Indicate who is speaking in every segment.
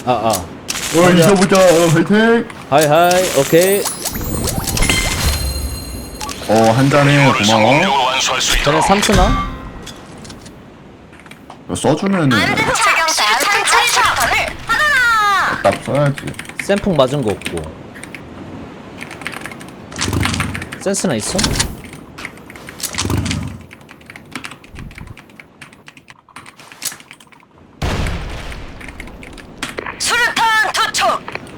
Speaker 1: 이겨보자. 화이팅.
Speaker 2: 하이 오케이.
Speaker 1: 한 잔에 고마워.
Speaker 2: 전에 삼수나?
Speaker 1: 이거 써주면은 딱 써야지.
Speaker 2: 쌤폭 맞은 거 없고. 센스나 있어?
Speaker 3: 수류탄 투척.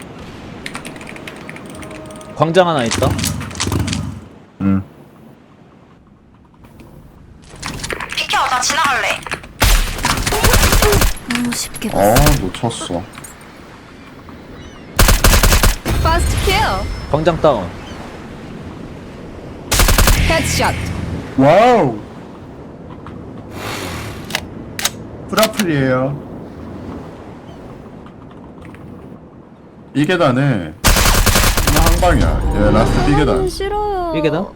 Speaker 2: 광장 하나 있다.
Speaker 3: 비켜, 나 지나갈래.
Speaker 4: 너무 쉽게
Speaker 1: 놓쳤어.
Speaker 4: 파스트 킬.
Speaker 2: 광장 다운.
Speaker 4: 헤드샷.
Speaker 1: 와우. 프라플이에요. 이 계단에 한 방이야. 얘 라스트 B 계단.
Speaker 4: 싫어요.
Speaker 2: 이게 다?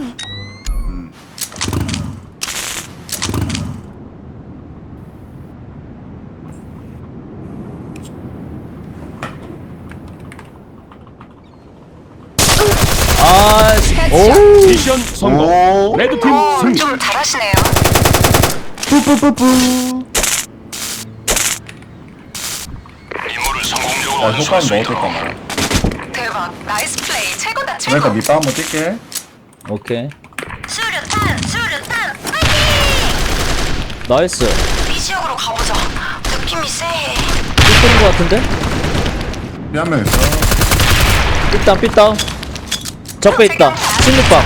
Speaker 2: 아씨. 오.
Speaker 5: 미션 성공.
Speaker 1: 오.
Speaker 5: 레드팀 승리.
Speaker 3: 좀 잘하시네요.
Speaker 1: 뿌뿌뿌뿌.
Speaker 5: 임무를 성공적으로
Speaker 1: 야,
Speaker 5: 완수할
Speaker 1: 효과는
Speaker 5: 수
Speaker 1: 넣어줄
Speaker 5: 있도록.
Speaker 1: 거나.
Speaker 3: 대박, 나이스 플레이, 최고다 최고.
Speaker 1: 그러니까 밑밥 한번 뛸게.
Speaker 2: 오케이.
Speaker 3: 수류탄, 수류탄, 파이팅!
Speaker 2: 나이스.
Speaker 3: 이 지역으로 가보자. 느낌이 쎄해.
Speaker 2: 삐뚤은 거 같은데?
Speaker 1: 한 명 있어.
Speaker 2: 삐땅 삐땅. 적배 있다. 16방.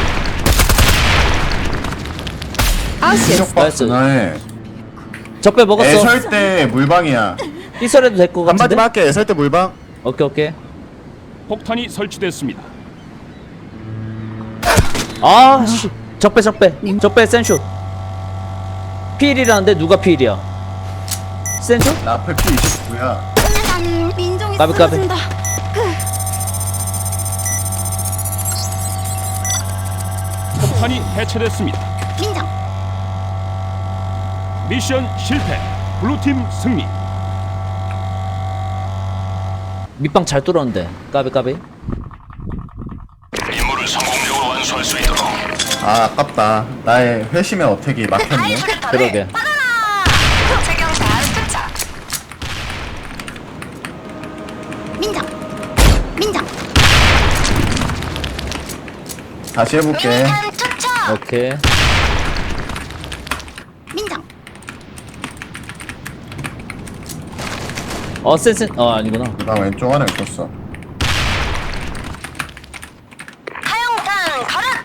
Speaker 4: 아우스.
Speaker 1: 신속 박스나에
Speaker 2: 적배 먹었어.
Speaker 1: 애설 때 물방이야.
Speaker 2: 삐설해도 될 거 같은데?
Speaker 1: 한마디만 할게. 애설 때 물방.
Speaker 2: 오케이.
Speaker 5: 폭탄이 설치됐습니다.
Speaker 2: 아, 씨. 적배. 적배 센슛. 필이라는데 누가 필이야? 센슛?
Speaker 1: 나 앞에 P29야.
Speaker 4: 민정이
Speaker 2: 까비.
Speaker 4: 쓰러진다.
Speaker 5: 폭탄이 해체됐습니다.
Speaker 4: 민정.
Speaker 5: 미션 실패. 블루팀 승리.
Speaker 2: 밑방 잘 뚫었는데. 까비.
Speaker 5: 임무를 성공적으로 완수할 수 있도록.
Speaker 1: 아깝다. 나의 회심의 어택이 막혔네.
Speaker 2: 그러게.
Speaker 3: 최경단 투척.
Speaker 4: 민정.
Speaker 1: 다시 해볼게.
Speaker 3: 미니탄 투척.
Speaker 2: 오케이.
Speaker 4: 민정.
Speaker 2: 센. 아니구나.
Speaker 1: 나 왼쪽 하나 있었어.
Speaker 3: 하영탄 가라.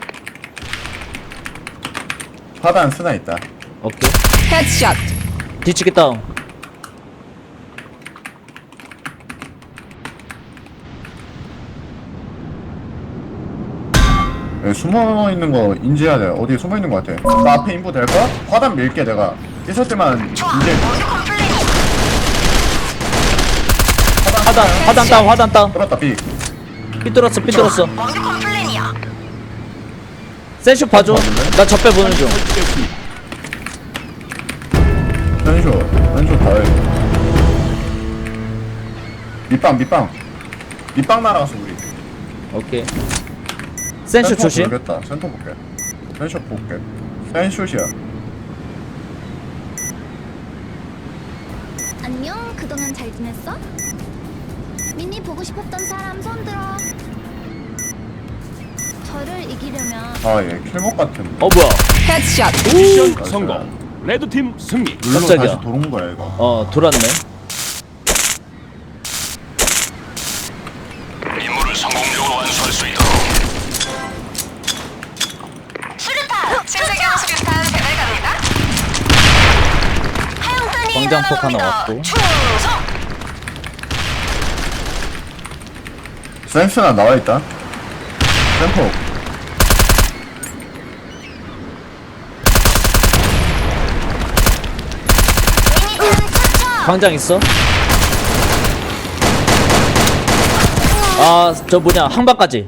Speaker 1: 화단 쓰나 있다.
Speaker 2: 오케이.
Speaker 4: 헤드샷.
Speaker 2: 뒤치기 다운.
Speaker 1: 여기 숨어 있는 거 인지해야 돼. 어디에 숨어 있는 거 같아. 나 앞에 인부 될까? 화단 밀게 내가. 있을 때만
Speaker 3: 좋아,
Speaker 1: 인지.
Speaker 3: 완벽한 플레이.
Speaker 2: 화단 다운.
Speaker 1: 끌었다 B.
Speaker 2: 삐뚤었어.
Speaker 3: 완벽한 플랜이야.
Speaker 2: 센슛 봐줘. 나 적배 보는 중.
Speaker 5: 설치됐습니다.
Speaker 1: 왼쪽 다 해. 밑방 날아가서 우리.
Speaker 2: 오케이. 센슛 조심.
Speaker 1: 모르겠다. 센터 볼게. 센슛 볼게. 센슛이야.
Speaker 4: 안녕. 그동안 잘 지냈어? 미니 보고 싶었던 사람 손 들어. 저를 이기려면
Speaker 1: 얘 킬목 같은데.
Speaker 2: 뭐야?
Speaker 4: 헤드샷.
Speaker 5: 미션
Speaker 1: 나이스.
Speaker 5: 성공. 레드팀 승리.
Speaker 1: 룰로
Speaker 2: 깜짝이야.
Speaker 1: 다시 도는 거야 이거.
Speaker 2: 돌았네.
Speaker 5: 임무를 성공적으로 완수할 수 있도록.
Speaker 3: 수류탄. 신세경 수류탄 배달 갑니다. 하영탄이
Speaker 2: 광장폭 하나
Speaker 3: 날아갑니다.
Speaker 2: 왔고.
Speaker 3: 충성.
Speaker 1: 센스나 나와 있다. 센터.
Speaker 3: 미니탄 투척.
Speaker 2: 광장 있어. 저 뭐냐 항바까지.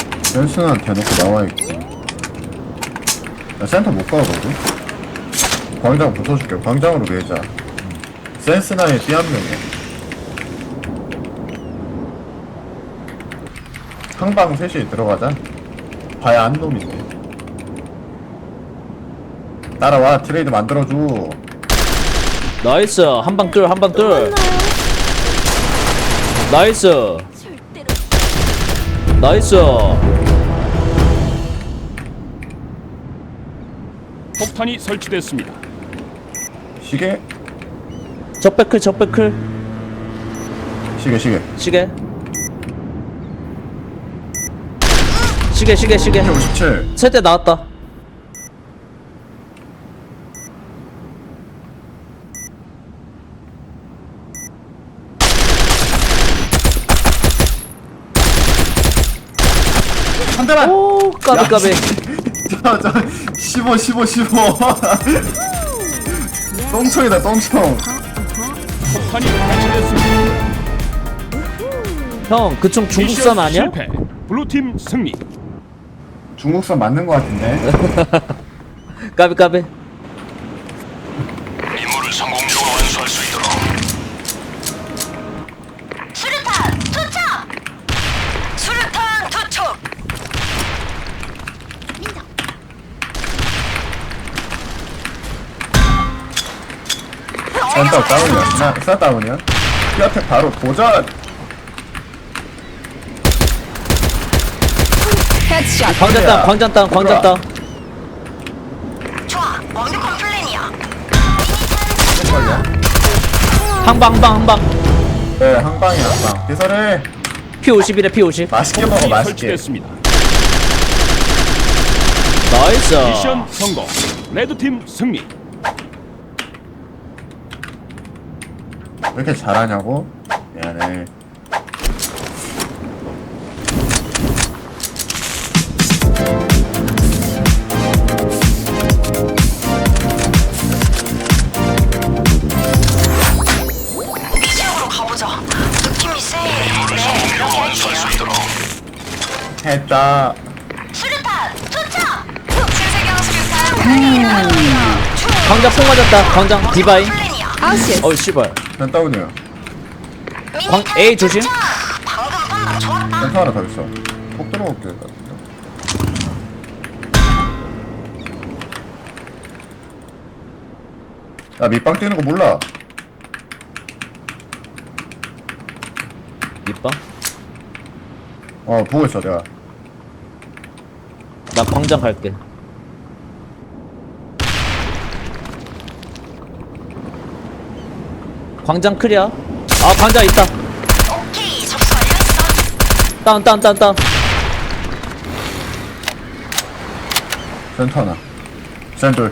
Speaker 1: 센스나 대놓고 나와 있고. 나 센터 못 가거든. 광장 붙어줄게. 광장으로 밀자. 센스나의 띠 한 명이야. 항방 셋이 들어가자. 봐야 한 놈인데. 따라와. 트레이드 만들어줘.
Speaker 2: 나이스. 한방 뚫, 한방 뚫. 나이스.
Speaker 4: 절대로.
Speaker 2: 나이스.
Speaker 5: 폭탄이 설치됐습니다.
Speaker 1: 시계?
Speaker 2: 적배클, 적배클.
Speaker 1: 시계.
Speaker 2: 시계. 시계.
Speaker 1: 57.
Speaker 2: 세대 나왔다.
Speaker 1: 한 대만!
Speaker 2: 오, 까비.
Speaker 1: 저 15 똥총이다 똥총.
Speaker 5: 폭탄이 설치됐습니다.
Speaker 2: 형, 그총 중국산
Speaker 5: 미션
Speaker 2: 아니야?
Speaker 5: 실패. 블루팀 승리.
Speaker 1: 중국산 맞는 거 같은데.
Speaker 2: 까비.
Speaker 5: 임무를 성공적으로 완수할 수 있도록.
Speaker 3: 수류탄 투척. 수류탄 투척.
Speaker 4: 민다.
Speaker 1: 센터 다운이야. 센터 다운이야. 피아텍 바로 도전.
Speaker 3: 헤드샷.
Speaker 2: 광장 땅.
Speaker 3: 좋아. 완벽한 플랜이야.
Speaker 2: 항방.
Speaker 1: 네, 항방이야, 항방. 개설해.
Speaker 2: P50이래, P50.
Speaker 1: 맛있게 먹어,
Speaker 5: 폭탄이
Speaker 1: 맛있게.
Speaker 5: 설치됐습니다.
Speaker 2: 나이스.
Speaker 5: 미션 성공. 레드팀 승리.
Speaker 1: 왜 이렇게 잘하냐고? 미안해.
Speaker 3: 이 지역으로 가보자. 느낌이 세.
Speaker 5: 임무를
Speaker 3: 네,
Speaker 5: 성공적으로
Speaker 3: 그렇게
Speaker 5: 완수할 수
Speaker 3: 할게요.
Speaker 5: 있도록.
Speaker 1: 했다.
Speaker 3: 수류탄 투척. 신세경 수류탄 배달이 가능합니다.
Speaker 2: 광장 폭 맞았다. 광장 디바이.
Speaker 3: 플랜이야.
Speaker 2: 어이, 씨발.
Speaker 1: 센 다운이야.
Speaker 3: 미니탄
Speaker 2: A 조심.
Speaker 3: 투척. 방금 판단 좋았다.
Speaker 1: 센터 하나 더 있어. 폭 들어올게. 나 밑방 뛰는 거 몰라.
Speaker 2: 밑방?
Speaker 1: 보고 있어, 내가.
Speaker 2: 나 광장 갈게. 광장 클리어. 아, 광장 있다.
Speaker 3: 오케이, 접수 완료했어.
Speaker 2: 다운.
Speaker 1: 센터 하나. 센돌.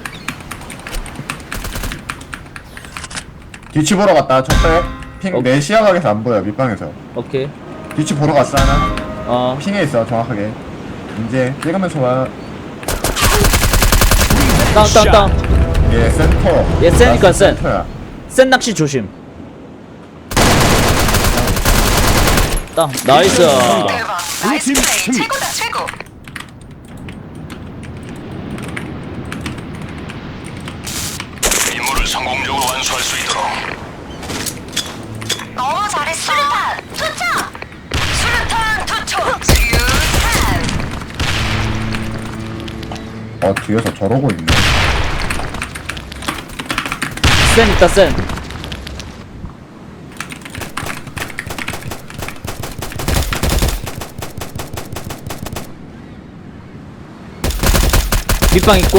Speaker 1: 뒤치 보러 갔다. 적배. 핑, 내 시야각에서 안 보여, 밑방에서.
Speaker 2: 오케이.
Speaker 1: 뒤치 보러 갔어, 하나. 핑에 있어, 정확하게. 이제, 찍으면서 와.
Speaker 2: 다운.
Speaker 1: 얘 센터.
Speaker 2: 얘 센이니까
Speaker 1: 나
Speaker 2: 센.
Speaker 1: 센터야.
Speaker 2: 센 낚시 조심. 나이스.
Speaker 3: 대박. 나이스
Speaker 5: 블루팀
Speaker 3: 플레이.
Speaker 5: 승리.
Speaker 3: 최고다, 최고.
Speaker 5: 임무를 성공적으로 완수할 수 있도록.
Speaker 3: 너무 잘했어. 수류탄 투척. 수류탄.
Speaker 1: 뒤에서 저러고 있네.
Speaker 2: 센 있다, 센. 밑방 있고.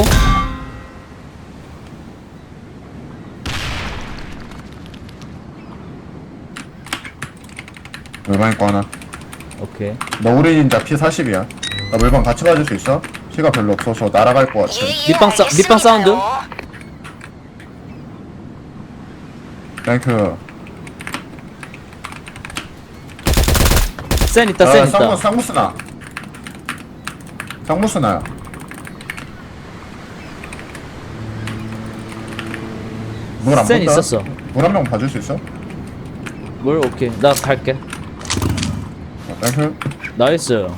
Speaker 1: 물방 있고 하나.
Speaker 2: 오케이.
Speaker 1: 너 우리 닌자 피 40이야. 나 물방 같이 봐줄 수 있어? 피가 별로 없어서 날아갈 것 같아.
Speaker 2: 밑방 사운드?
Speaker 1: 땡큐.
Speaker 2: 센 있다, 센 있다.
Speaker 1: 쌍무스나. 쌍무스나야. 물 안
Speaker 2: 센
Speaker 1: 본다?
Speaker 2: 있었어.
Speaker 1: 물 한 명 봐줄 수 있어?
Speaker 2: 뭘, 오케이. 나 갈게.
Speaker 1: 땡큐.
Speaker 2: 나이스.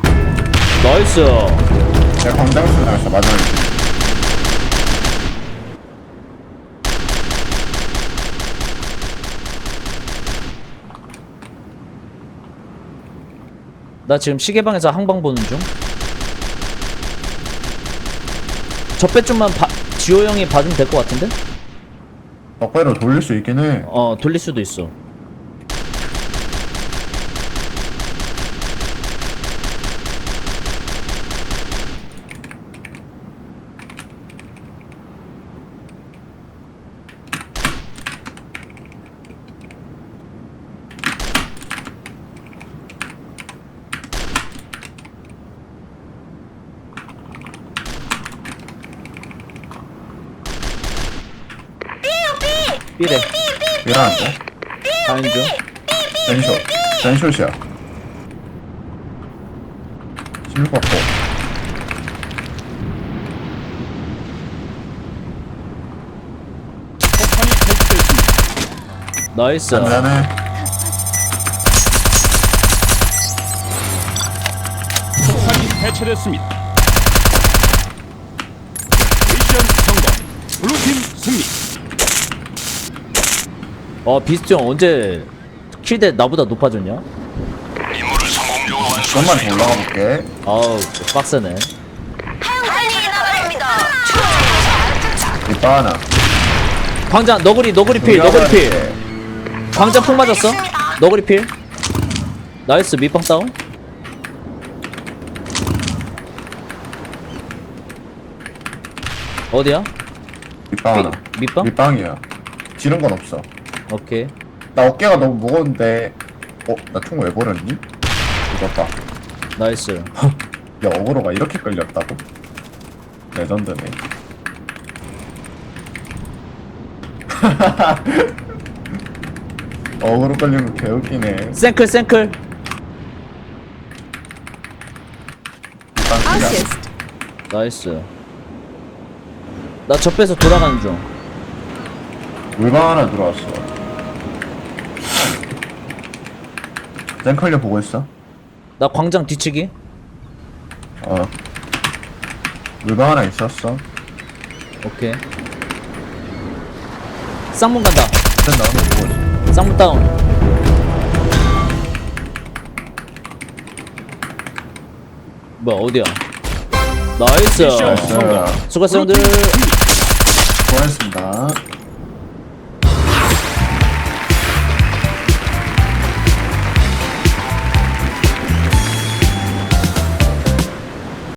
Speaker 1: 내가 광장에서 나갔어, 마지막에.
Speaker 2: 나 지금 시계방에서 항방 보는 중. 적배 좀만 지호 형이 봐주면 될 것 같은데?
Speaker 1: 적배로 돌릴 수 있긴 해.
Speaker 2: 돌릴 수도 있어. 삐래.
Speaker 1: 미안한데.
Speaker 2: 가인 중.
Speaker 1: 젠쇼. 젠쇼시야. 16 받고.
Speaker 5: 폭탄이 설치됐습니다.
Speaker 2: 나이스.
Speaker 1: 미안해.
Speaker 5: 폭탄이 해체됐습니다. 미션 성공. 블루팀 승리.
Speaker 2: 비스트 형 언제 킬대 나보다 높아졌냐?
Speaker 5: 임무를 성공적으로 완수할
Speaker 1: 좀만
Speaker 5: 수
Speaker 1: 더
Speaker 5: 있도록.
Speaker 1: 올라가 볼게.
Speaker 2: 아우 빡세네.
Speaker 3: 한이 나갑니다.
Speaker 1: 이빠 하나.
Speaker 2: 광장 너구리 필 너구리 필. 광장 폭 맞았어. 너구리 필. 나이스 밑방 다운. 어디야?
Speaker 1: 밑방 하나.
Speaker 2: 밑방?
Speaker 1: 밑방이야. 지른 건 없어.
Speaker 2: 오케이.
Speaker 1: 나 어깨가 너무 무거운데. 나 총 왜 버렸니? 이거 봐.
Speaker 2: 나이스.
Speaker 1: 야, 어그로가 이렇게 끌렸다고? 레전드네. 어그로 끌린 거 개웃기네.
Speaker 2: 생클.
Speaker 1: 밑방 기자.
Speaker 2: 나이스. 나 접해서 돌아가는 중.
Speaker 1: 물방 하나 들어왔어. zen컬려 보고 있어?
Speaker 2: 나 광장 뒤치기.
Speaker 1: 물방 하나 있었어.
Speaker 2: 오케이. 쌍문 간다.
Speaker 1: 일단 나오는 보고 있어.
Speaker 2: 쌍문 다운. 뭐야 어디야? 나이스.
Speaker 5: 미션
Speaker 1: 나이스.
Speaker 2: 수고했어 형들.
Speaker 5: 블루팀 승리.
Speaker 1: 고맙습니다.